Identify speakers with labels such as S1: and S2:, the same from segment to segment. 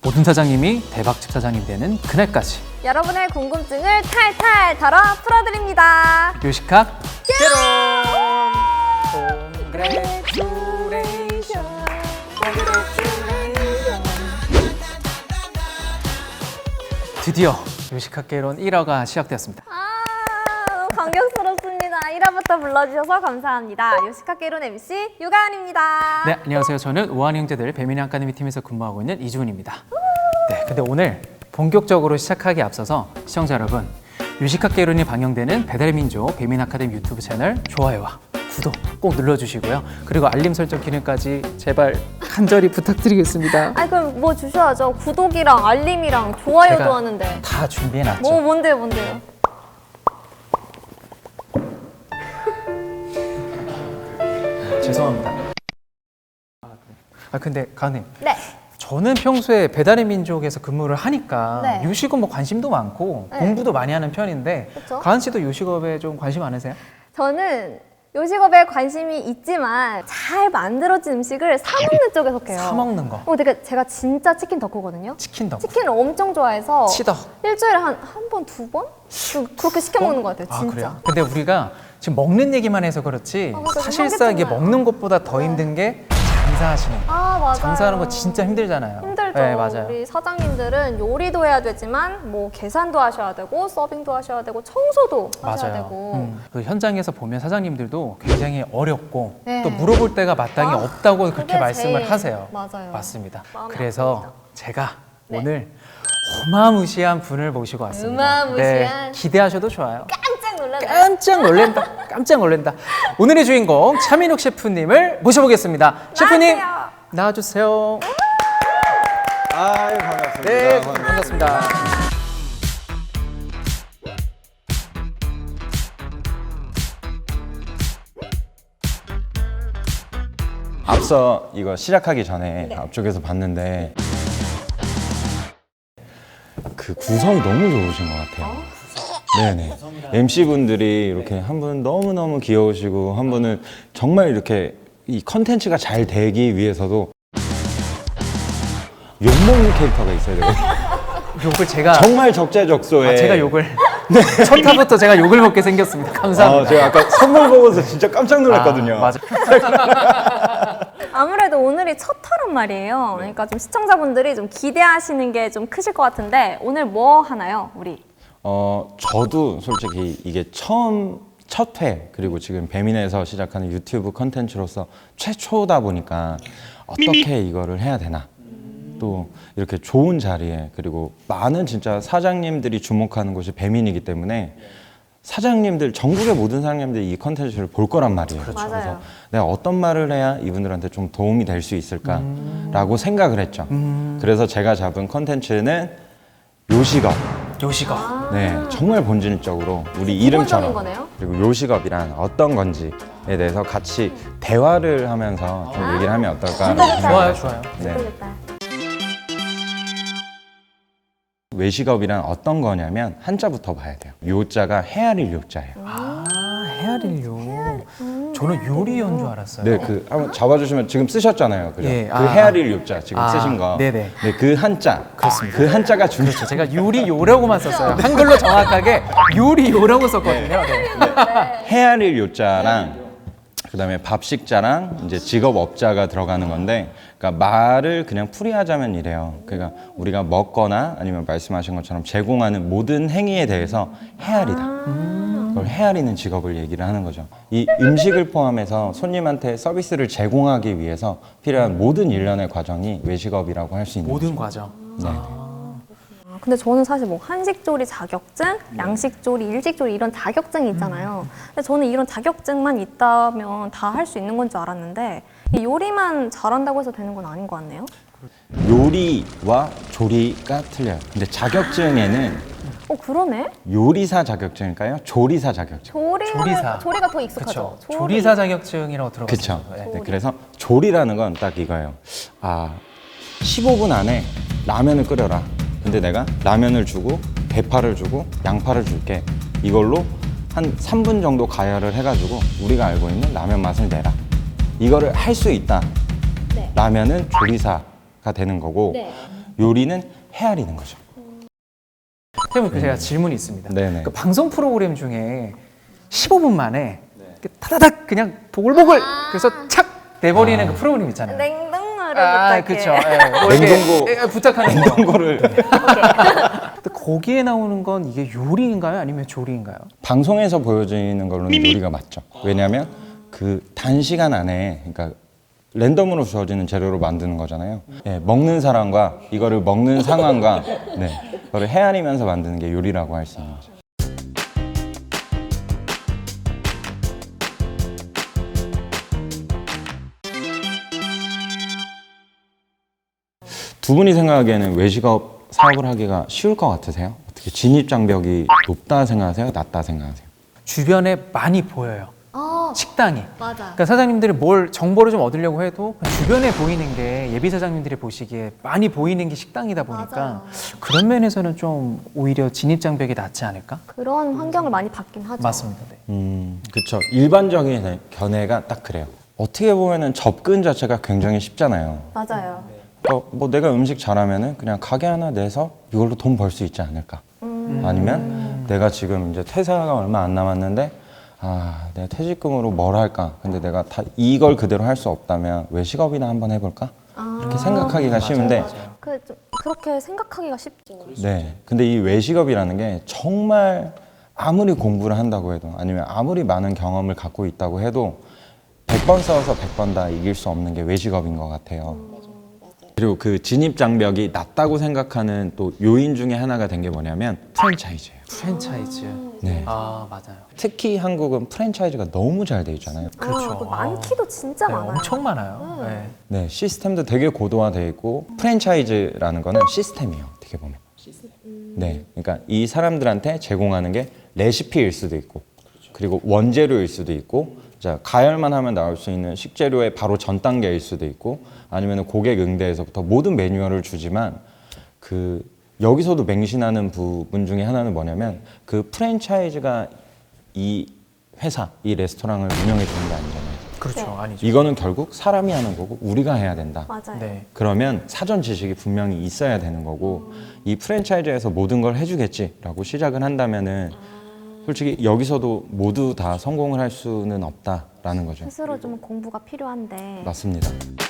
S1: 모든 사장님이 대박집 사장님이 되는 그날까지
S2: 여러분의 궁금증을 탈탈 털어 풀어드립니다.
S1: 요식학 드디어 요식학개론 1화가 시작되었습니다.
S2: 너무 감격스럽습니다. 1화부터 불러주셔서 감사합니다. 요식학개론 MC 유가은입니다.
S1: 네, 안녕하세요. 저는 우한 형제들 배민의 아카데미 팀에서 근무하고 있는 이주훈입니다. 네, 근데 오늘 본격적으로 시작하기에 앞서서 시청자 여러분, 요식학개론이 방영되는 배달의 민족 배민 아카데미 유튜브 채널 좋아요와 구독 꼭 눌러주시고요. 그리고 알림 설정 기능까지 제발 간절히 부탁드리겠습니다.
S2: 아니 그럼 뭐 주셔야죠. 구독이랑 알림이랑 좋아요도
S1: 제가
S2: 하는데.
S1: 다 준비해놨죠.
S2: 뭔데요?
S1: 죄송합니다. 근데 가은님,
S2: 네.
S1: 저는 평소에 배달의 민족에서 근무를 하니까
S2: 네.
S1: 요식업 뭐 관심도 많고
S2: 네.
S1: 공부도 많이 하는 편인데
S2: 그쵸?
S1: 가은 씨도 요식업에 좀 관심 많으세요?
S2: 저는 요식업에 관심이 있지만 잘 만들어진 음식을 사 먹는 쪽에 속해요.
S1: 사 먹는 거.
S2: 되게 제가 진짜 치킨 덕후거든요.
S1: 치킨 덕후.
S2: 치킨을 엄청 좋아해서
S1: 치덕.
S2: 일주일에 한 번, 두 번? 그렇게 시켜 먹는 것 같아요, 진짜.
S1: 그래요? 근데 우리가 지금 먹는 얘기만 해서 그렇지
S2: 맞아요.
S1: 사실상 이게
S2: 삼계탕이야.
S1: 먹는 것보다 더 힘든 게 장사하시는 거.
S2: 맞아요.
S1: 장사하는 거 진짜 힘들잖아요.
S2: 힘들죠.
S1: 네, 맞아요.
S2: 우리 사장님들은 요리도 해야 되지만 뭐 계산도 하셔야 되고 서빙도 하셔야 되고 청소도 하셔야
S1: 맞아요.
S2: 되고.
S1: 그 현장에서 보면 사장님들도 굉장히 어렵고
S2: 네.
S1: 또 물어볼 데가 마땅히
S2: 아,
S1: 없다고 그렇게
S2: 그게
S1: 말씀을
S2: 제일
S1: 하세요.
S2: 맞아요.
S1: 맞습니다.
S2: 마음이
S1: 그래서
S2: 아픕니다.
S1: 제가
S2: 네.
S1: 오늘 어마무시한 분을 모시고 왔습니다.
S2: 어마무시한?
S1: 기대하셔도 좋아요.
S2: 깜짝 놀랐네.
S1: 깜짝 놀란다. 깜짝 놀란다. 오늘의 주인공 차민욱 셰프님을 모셔보겠습니다. 셰프님
S2: 나와주세요.
S1: 나와주세요.
S3: 아유, 반갑습니다.
S1: 네, 반갑습니다.
S3: 앞서 이거 시작하기 전에 앞쪽에서 봤는데 그 구성이 너무 좋으신 것 같아요. 네네. MC분들이 이렇게 한 분은 너무너무 귀여우시고 한 분은 정말 이렇게 이 컨텐츠가 잘 되기 위해서도 욕먹는 캐릭터가 있어야 돼요.
S1: 욕을 제가
S3: 정말 적재적소에
S1: 제가 욕을 첫 타부터 제가 욕을 먹게 생겼습니다. 감사합니다.
S3: 제가 아까 선물 보고서 진짜 깜짝 놀랐거든요.
S1: 맞아.
S2: 아무래도 오늘이 첫 화란 말이에요. 그러니까 좀 시청자분들이 좀 기대하시는 게 좀 크실 것 같은데 오늘 뭐 하나요, 우리?
S3: 저도 솔직히 이게 첫 회, 그리고 지금 배민에서 시작하는 유튜브 컨텐츠로서 최초다 보니까 어떻게 이거를 해야 되나. 또 이렇게 좋은 자리에, 그리고 많은 진짜 사장님들이 주목하는 곳이 배민이기 때문에 사장님들, 전국의 모든 사장님들이 이 컨텐츠를 볼 거란 말이에요.
S2: 맞아요.
S3: 그래서 내가 어떤 말을 해야 이분들한테 좀 도움이 될 수 있을까라고 생각을 했죠. 그래서 제가 잡은 컨텐츠는 요식업.
S1: 요식업.
S3: 네, 정말 본질적으로 우리 이름처럼
S2: 거네요?
S3: 그리고 요식업이란 어떤 건지에 대해서 같이 대화를 하면서 좀 얘기를 하면 어떨까?
S1: 좋아요, 좋아요.
S3: 네.
S2: 모르겠다.
S3: 외식업이란 어떤 거냐면 한자부터 봐야 돼요. 요자가 헤아릴 요자예요.
S1: 헤아릴 요. 저는 요리연 줄 알았어요.
S3: 네, 그 한번 잡아주시면 지금 쓰셨잖아요, 그죠?
S1: 예,
S3: 그 헤아릴 요자 지금 쓰신 거.
S1: 네네.
S3: 네, 그 한자.
S1: 그렇습니다.
S3: 그 한자가 중요.
S1: 그렇죠. 제가 요리요라고만 썼어요. 한글로 정확하게 요리요라고 썼거든요. 네.
S3: 헤아릴 요자랑 그다음에 밥식자랑 이제 직업업자가 들어가는 건데, 그러니까 말을 그냥 풀이하자면 이래요. 그러니까 우리가 먹거나 아니면 말씀하신 것처럼 제공하는 모든 행위에 대해서 헤아리다. 그걸 헤아리는 직업을 얘기를 하는 거죠. 이 음식을 포함해서 손님한테 서비스를 제공하기 위해서 필요한 모든 일련의 과정이 외식업이라고 할 수 있는
S1: 모든
S3: 거죠.
S1: 과정.
S3: 네.
S2: 근데 저는 사실 뭐 한식조리 자격증, 양식조리, 일식조리 이런 자격증이 있잖아요. 근데 저는 이런 자격증만 있다면 다 할 수 있는 건 줄 알았는데 이 요리만 잘한다고 해서 되는 건 아닌 것 같네요.
S3: 요리와 조리가 틀려요. 근데 자격증에는
S2: 그러네?
S3: 요리사 자격증일까요? 조리사 자격증.
S1: 조리사.
S2: 조리가 더 익숙하죠.
S1: 그렇죠. 조리사 자격증이라고 들어봤어요.
S3: 그쵸. 네, 그래서 조리라는 건 딱 이거예요. 15분 안에 라면을 끓여라. 근데 내가 라면을 주고 대파를 주고 양파를 줄게. 이걸로 한 3분 정도 가열을 해가지고 우리가 알고 있는 라면 맛을 내라. 이거를 할 수 있다.
S2: 네.
S3: 라면은 조리사가 되는 거고,
S2: 네.
S3: 요리는 헤아리는 거죠.
S1: 선생님, 그 제가 질문이 있습니다.
S3: 네네.
S1: 그 방송 프로그램 중에 15분 만에 이렇게 타다닥 그냥 보글보글 그래서 착 내버리는 그 프로그램 있잖아요.
S2: 냉동물을
S1: 그렇죠.
S2: 부탁해.
S3: 냉동고.
S1: 부탁하는 거.
S3: 냉동고를
S1: 근데 거기에 나오는 건 이게 요리인가요? 아니면 조리인가요?
S3: 방송에서 보여지는 걸로는 요리가 맞죠. 왜냐하면 그 단시간 안에 그러니까 랜덤으로 주어지는 재료로 만드는 거잖아요. 네, 먹는 사람과 이거를 먹는 상황과 그거를 헤아리면서 만드는 게 요리라고 할 수 있는 거죠. 두 분이 생각하기에는 외식업 사업을 하기가 쉬울 것 같으세요? 어떻게 진입 장벽이 높다 생각하세요? 낮다 생각하세요?
S1: 주변에 많이 보여요. 식당이.
S2: 맞아.
S1: 그러니까 사장님들이 뭘 정보를 좀 얻으려고 해도 그냥 주변에 보이는 게 예비 사장님들이 보시기에 많이 보이는 게 식당이다 보니까
S2: 맞아요.
S1: 그런 면에서는 좀 오히려 진입 장벽이 낮지 않을까?
S2: 그런 환경을 많이 받긴 하죠.
S1: 맞습니다. 네.
S3: 그렇죠. 일반적인 견해가 딱 그래요. 어떻게 보면은 접근 자체가 굉장히 쉽잖아요.
S2: 맞아요.
S3: 뭐 내가 음식 잘하면은 그냥 가게 하나 내서 이걸로 돈 벌 수 있지 않을까? 아니면 내가 지금 이제 퇴사가 얼마 안 남았는데 내가 퇴직금으로 뭘 할까? 근데 내가 다 이걸 그대로 할 수 없다면 외식업이나 한번 해볼까? 이렇게 생각하기가 쉬운데
S2: 그렇게 생각하기가 쉽죠.
S3: 네. 근데 이 외식업이라는 게 정말 아무리 공부를 한다고 해도 아니면 아무리 많은 경험을 갖고 있다고 해도 100번 싸워서 100번 다 이길 수 없는 게 외식업인 것 같아요. 그리고 그 진입 장벽이 낮다고 생각하는 또 요인 중에 하나가 된 게 뭐냐면 프랜차이즈예요.
S1: 프랜차이즈.
S3: 네.
S1: 맞아요.
S3: 특히 한국은 프랜차이즈가 너무 잘 돼 있잖아요.
S1: 그렇죠.
S2: 많기도 진짜
S1: 네,
S2: 많아요.
S1: 엄청 많아요. 네.
S3: 네, 시스템도 되게 고도화돼 있고 프랜차이즈라는 거는 시스템이에요. 어떻게 보면. 네, 그러니까 이 사람들한테 제공하는 게 레시피일 수도 있고, 그리고 원재료일 수도 있고, 자 가열만 하면 나올 수 있는 식재료의 바로 전 단계일 수도 있고, 아니면 고객 응대에서부터 모든 매뉴얼을 주지만 그 여기서도 맹신하는 부분 중에 하나는 뭐냐면 그 프랜차이즈가 이 회사, 이 레스토랑을 운영해 주는 게 아니잖아요.
S1: 그렇죠. 아니죠.
S3: 이거는 결국 사람이 하는 거고 우리가 해야 된다.
S2: 맞아요.
S1: 네.
S3: 그러면 사전 지식이 분명히 있어야 되는 거고 이 프랜차이즈에서 모든 걸 해주겠지라고 시작을 한다면은 솔직히 여기서도 모두 다 성공을 할 수는 없다라는 거죠.
S2: 스스로 좀 공부가 필요한데.
S3: 맞습니다.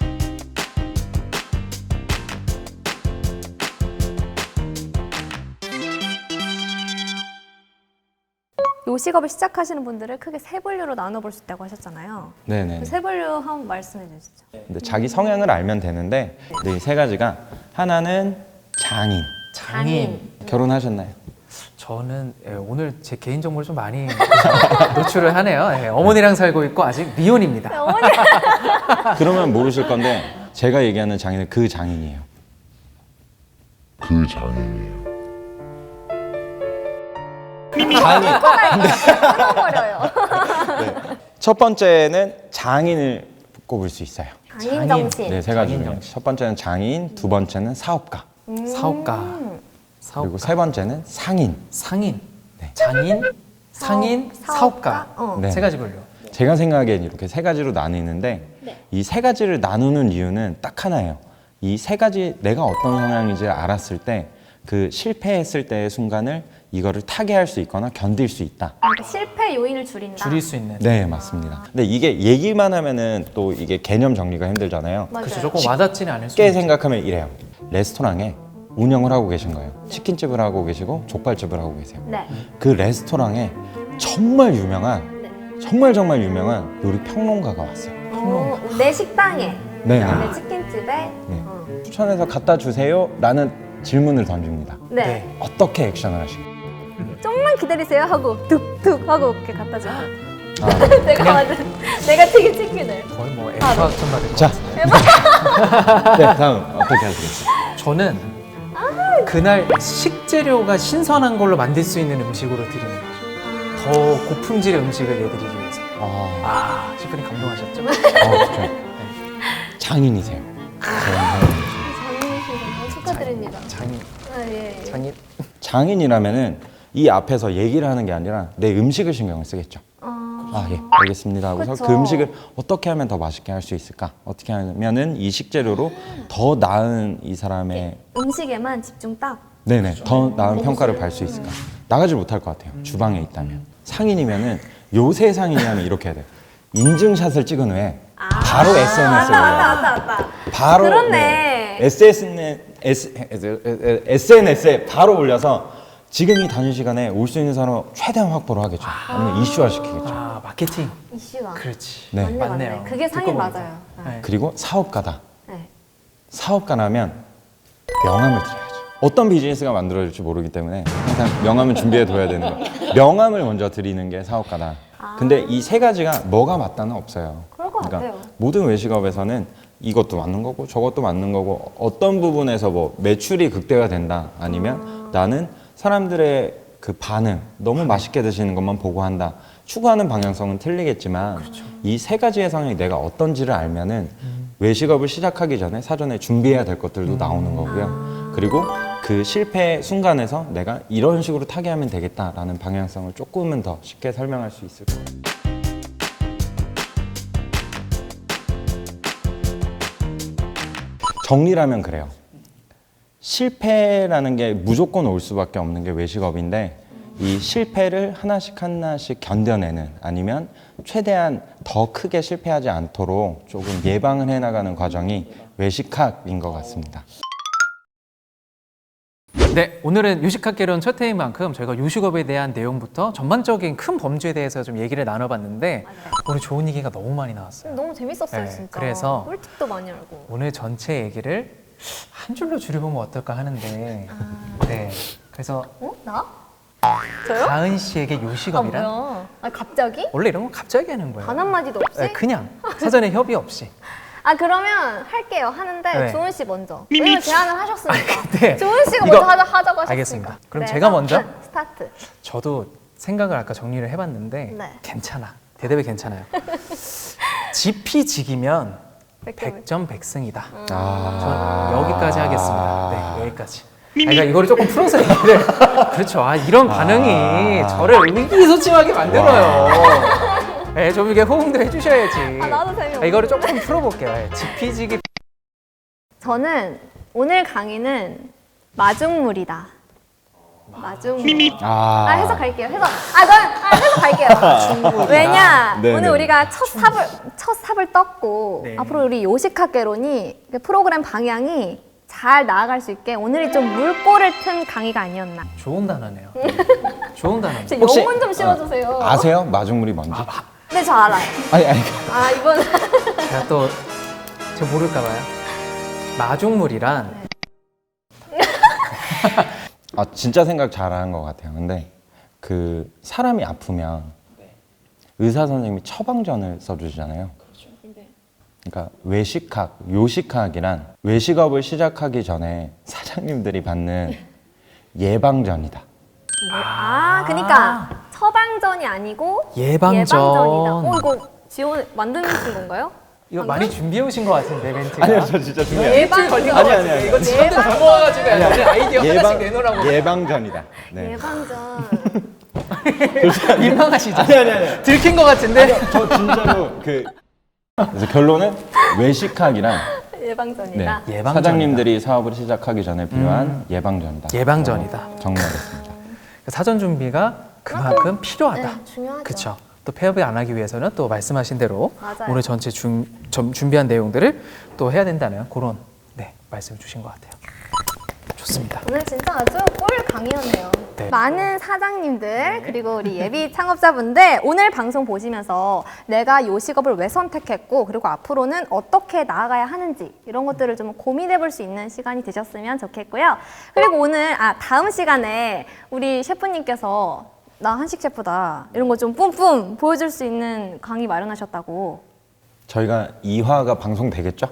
S2: 요식업을 시작하시는 분들을 크게 세 분류로 나눠볼 수 있다고 하셨잖아요.
S3: 네네.
S2: 그 세 분류 한번 말씀해 주시죠.
S3: 근데 자기 성향을 알면 되는데 근데 이 세 가지가 하나는 장인.
S1: 장인.
S3: 결혼하셨나요?
S1: 저는 오늘 제 개인 정보를 좀 많이 노출을 하네요. 어머니랑 살고 있고 아직 미혼입니다.
S3: 그러면 모르실 건데 제가 얘기하는 장인은 그 장인이에요. 장인.
S2: 끊어버려요.
S3: 첫 번째는 장인을 꼽을 수 있어요.
S2: 장인 정신.
S3: 네, 세 가지
S1: 장인
S3: 중에
S1: 정신.
S3: 첫 번째는 장인, 두 번째는 사업가,
S1: 사업가.
S3: 그리고 세 번째는 상인.
S1: 상인. 장인, 상인, 사업가.
S3: 네.
S1: 세 가지 분류.
S3: 제가 생각하기엔 이렇게 세 가지로 나뉘는데 이 세 가지를 나누는 이유는 딱 하나예요. 이 세 가지 내가 어떤 성향인지 알았을 때 그 실패했을 때의 순간을 이거를 타개할 수 있거나 견딜 수 있다.
S2: 그러니까 실패 요인을 줄인다.
S1: 줄일 수 있는.
S3: 네, 맞습니다. 근데 이게 얘기만 하면은 또 이게 개념 정리가 힘들잖아요.
S2: 맞아요.
S1: 그렇죠. 조금 와닿지는 않을 수
S3: 쉽게
S1: 있죠.
S3: 생각하면 이래요. 레스토랑에 운영을 하고 계신 거예요. 치킨집을 하고 계시고 족발집을 하고 계세요.
S2: 네.
S3: 그 레스토랑에 정말 유명한 정말 유명한 요리 평론가가 왔어요.
S2: 내 식당에,
S3: 네.
S2: 내 치킨집에.
S3: 추천해서 갖다 주세요 라는 질문을 던집니다.
S2: 네.
S1: 네.
S3: 어떻게 액션을 하실까요?
S2: 좀만 기다리세요 하고 툭툭 하고 이렇게 갖다 줘요.
S3: 아,
S2: 내가 만든 내가 튀긴 치킨을.
S1: 거의 뭐 애프학점 받을 것
S3: 자.
S1: 같은데.
S3: 네, 다음 어떻게 하시겠어요?
S1: 저는 그날 식재료가 신선한 걸로 만들 수 있는 음식으로 드리는 거죠. 더 고품질의 음식을 내드리기 위해서. 셰프님 감동하셨죠?
S3: 진짜. 장인이세요.
S2: 장인이시네요. 축하드립니다.
S1: 장인.
S2: 예.
S1: 장인.
S3: 장인이라면은 이 앞에서 얘기를 하는 게 아니라 내 음식을 신경을 쓰겠죠. 아, 예, 알겠습니다 하고서
S2: 그쵸.
S3: 그 음식을 어떻게 하면 더 맛있게 할 수 있을까? 어떻게 하면은 이 식재료로 더 나은 이 사람의
S2: 음식에만 집중 딱.
S3: 네네 더 나은 평가를 받을 수 있을까? 나가질 못할 것 같아요. 주방에 있다면 상인이면은 요새 상인이라면 이렇게 해야 돼요. 인증샷을 찍은 후에 바로 SNS에 올려요.
S2: 맞다.
S3: 바로
S2: 그렇네.
S3: SNS에 바로 올려서 지금 이 단위 시간에 올 수 있는 사람을 최대한 확보를 하겠죠. 아니면 이슈화 시키겠죠.
S1: 아, 마케팅.
S2: 이슈가.
S1: 그렇지.
S3: 네.
S2: 맞네.
S1: 맞네요.
S2: 그게 상인
S1: 듣고 보니까.
S2: 맞아요.
S1: 네.
S3: 그리고 사업가다.
S2: 네.
S3: 사업가라면 명함을 드려야죠. 어떤 비즈니스가 만들어질지 모르기 때문에 항상 명함을 준비해 둬야 되는 거예요. 명함을 먼저 드리는 게 사업가다. 근데 이 세 가지가 뭐가 맞다는 없어요.
S2: 그럴 것 같아요.
S3: 모든 외식업에서는 이것도 맞는 거고 저것도 맞는 거고 어떤 부분에서 뭐 매출이 극대화 된다 아니면 나는 사람들의 그 반응 너무 맛있게 드시는 것만 보고 한다 추구하는 방향성은 틀리겠지만 이 세 가지의 성향이 내가 어떤지를 알면은 외식업을 시작하기 전에 사전에 준비해야 될 것들도 나오는 거고요. 그리고 그 실패 순간에서 내가 이런 식으로 타개하면 되겠다라는 방향성을 조금은 더 쉽게 설명할 수 있을 거예요. 정리라면 그래요. 실패라는 게 무조건 올 수밖에 없는 게 외식업인데 이 실패를 하나씩 하나씩 견뎌내는 아니면 최대한 더 크게 실패하지 않도록 조금 예방을 해나가는 과정이 외식학인 것 같습니다.
S1: 네, 오늘은 요식학개론 첫 회인 만큼 저희가 요식업에 대한 내용부터 전반적인 큰 범주에 대해서 좀 얘기를 나눠봤는데 오늘 좋은 얘기가 너무 많이 나왔어요.
S2: 너무 재밌었어요,
S1: 네,
S2: 진짜.
S1: 그래서
S2: 꿀팁도 많이 알고.
S1: 오늘 전체 얘기를 한 줄로 줄여보면 어떨까 하는데 네, 그래서
S2: 어? 나? 저요?
S1: 가은 씨에게 요식업이란
S2: 뭐야? 아, 갑자기?
S1: 원래 이런 건 갑자기 하는 거예요.
S2: 단 한마디도 없이?
S1: 네, 그냥 사전에 협의 없이.
S2: 아, 그러면 할게요. 하는데
S1: 네.
S2: 조은 씨 먼저. 왜냐면 제안을 하셨으니까.
S1: 네.
S2: 조은 씨가
S1: 이거-
S2: 먼저 하자고 하셨으니까.
S1: 알겠습니다. 그럼
S2: 네,
S1: 제가 먼저?
S2: 스타트.
S1: 저도 생각을 아까 정리를 해봤는데
S2: 네.
S1: 괜찮아. 대답이 괜찮아요. 지피지기면
S2: 100점.
S1: 100점 100승이다.
S3: 아.
S1: 저는 여기까지 하겠습니다. 네, 여기까지. 그러니까 이거를 조금 풀어서 얘기를 그렇죠. 아, 이런 반응이 저를 의기소침하게 만들어요. 네, 좀 이게 호응도 해주셔야지.
S2: 나도 재미없네.
S1: 이거를 조금 풀어볼게요. 네, 지피지기.
S2: 저는 오늘 강의는 마중물이다. 마중물. 아, 해석할게요. 해석할게요. 왜냐?
S3: 네네.
S2: 오늘 우리가 첫 삽을 떴고
S1: 네.
S2: 앞으로 우리 요식학개론이 그 프로그램 방향이 잘 나아갈 수 있게 오늘이 좀 물꼬를 튼 강의가 아니었나.
S1: 좋은 단어네요. 좋은 단어.
S2: 제
S3: 혹시-
S2: 영혼 좀 실어주세요.
S3: 아세요? 마중물이 뭔지?
S2: 네, 저 알아요.
S3: 아니
S2: 아, 이번
S1: 제가 또 제가 모를까 봐요. 마중물이란
S3: 진짜 생각 잘하는 것 같아요. 근데 그 사람이 아프면 의사 선생님이 처방전을 써주잖아요. 그러니까 외식학, 요식학이란 외식업을 시작하기 전에 사장님들이 받는 예방전이다.
S2: 그러니까 처방전이 아니고
S1: 예방전.
S2: 예방전이다. 이거 지원 만드신 건가요?
S1: 이거
S2: 방금?
S1: 많이 준비해 오신 것 같은데 멘트가.
S3: 아니요, 저 진짜 중요해요.
S2: 예방
S1: 걸린 것
S3: 아니,
S1: 같은데
S3: 아니.
S1: 이거 진짜 다 모아가지고 오늘 아이디어 하나씩 내놓으라고.
S3: 예방전이다. 네.
S2: 예방전.
S1: 민망하시죠?
S3: 아니.
S1: 들킨 것 같은데.
S3: 저 진짜로 그래서 결론은 외식학이란
S2: 예방전이다.
S1: 예방전이다.
S3: 사장님들이 사업을 시작하기 전에 필요한 예방전이다.
S1: 예방전이다.
S3: 정리하겠습니다.
S1: 사전 준비가 그만큼 필요하다.
S2: 네, 중요하죠.
S1: 그렇죠. 또 폐업을 안 하기 위해서는 또 말씀하신 대로
S2: 맞아요.
S1: 오늘 전체 준비한 내용들을 또 해야 된다는 그런 말씀을 주신 것 같아요. 좋습니다.
S2: 오늘 진짜 아주 꿀 강의였네요.
S1: 네.
S2: 많은 사장님들 그리고 우리 예비 창업자분들 오늘 방송 보시면서 내가 요식업을 왜 선택했고 그리고 앞으로는 어떻게 나아가야 하는지 이런 것들을 좀 고민해 볼 수 있는 시간이 되셨으면 좋겠고요. 그리고 오늘 다음 시간에 우리 셰프님께서 나 한식 셰프다 이런 거 좀 뿜뿜 보여줄 수 있는 강의 마련하셨다고.
S3: 저희가 2화가 방송되겠죠?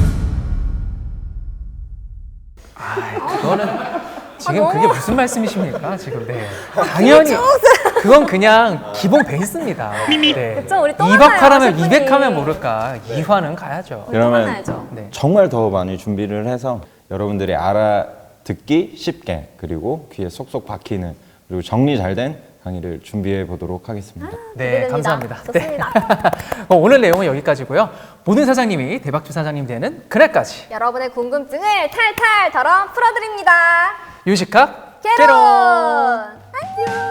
S1: 그거는 지금 그게 무슨 말씀이십니까? 지금 당연히 그건 그냥 기본 베이스입니다. 네.
S2: 그쵸, 우리 또
S1: 2박
S2: 만나요,
S1: 하라면
S2: 셰프님.
S1: 200하면 모를까? 2화는 가야죠.
S3: 그러면
S2: 만나야죠.
S1: 네.
S3: 정말 더 많이 준비를 해서 여러분들이 알아듣기 쉽게 그리고 귀에 쏙쏙 박히는 그리고 정리 잘 된 강의를 준비해 보도록 하겠습니다.
S1: 네,
S2: 기대됩니다.
S1: 감사합니다.
S2: 좋습니다.
S1: 오늘 내용은 여기까지고요. 모든 사장님이 대박주 사장님 되는 그날까지
S2: 여러분의 궁금증을 탈탈 털어 풀어드립니다.
S1: 유식학
S2: 개론! 안녕!